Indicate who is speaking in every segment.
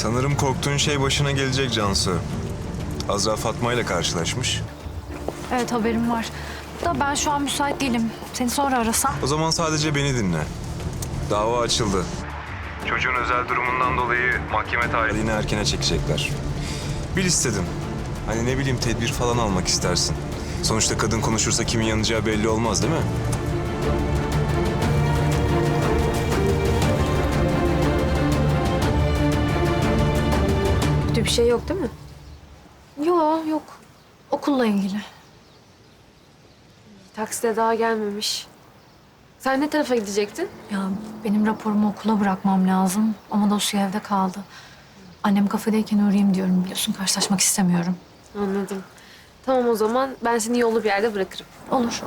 Speaker 1: Sanırım korktuğun şey başına gelecek Cansu. Azra Fatma ile karşılaşmış.
Speaker 2: Evet, haberim var. Da ben şu an müsait değilim. Seni sonra arasam.
Speaker 1: O zaman sadece beni dinle. Dava açıldı. Çocuğun özel durumundan dolayı mahkeme tarihini erkene çekecekler. Bil istedim. Hani ne bileyim tedbir falan almak istersin. Sonuçta kadın konuşursa kimin yanacağı belli olmaz değil mi?
Speaker 3: Kötü bir şey yok değil mi?
Speaker 2: Yok. Okulla ilgili.
Speaker 3: Takside daha gelmemiş. Sen ne tarafa gidecektin?
Speaker 2: Ya benim raporumu okula bırakmam lazım ama dosya evde kaldı. Annem kafedeyken uğrayayım diyorum, biliyorsun karşılaşmak istemiyorum.
Speaker 3: Anladım. Tamam o zaman ben seni yollu bir yerde bırakırım.
Speaker 2: Olur.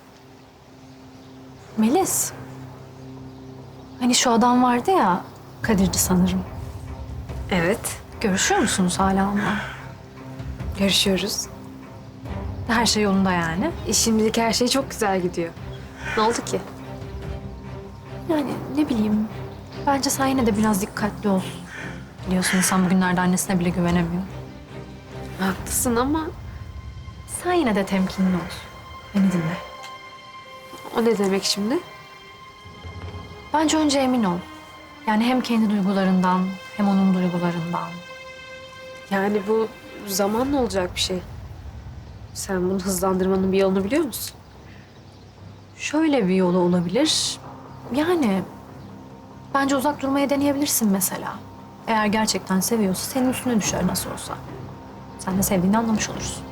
Speaker 2: Melis. Hani şu adam vardı ya, Kadir'di sanırım.
Speaker 3: Evet.
Speaker 2: Görüşüyor musunuz hala onunla?
Speaker 3: Görüşüyoruz.
Speaker 2: Her şey yolunda yani.
Speaker 3: Şimdilik her şey çok güzel gidiyor. Ne oldu ki?
Speaker 2: Yani ne bileyim. Bence sen yine de biraz dikkatli ol. Biliyorsun insan bugünlerde annesine bile güvenemiyor.
Speaker 3: Haklısın ama
Speaker 2: Sen yine de temkinli ol. Beni dinle.
Speaker 3: o ne demek şimdi?
Speaker 2: Bence önce emin ol. Yani hem kendi duygularından hem onun duygularından.
Speaker 3: Yani bu zamanla olacak bir şey. Sen bunu hızlandırmanın bir yolunu biliyor musun?
Speaker 2: Şöyle bir yolu olabilir. Yani bence uzak durmaya deneyebilirsin mesela. Eğer gerçekten seviyorsa senin üstüne düşer nasıl olsa. Sen de sevdiğini anlamış olursun.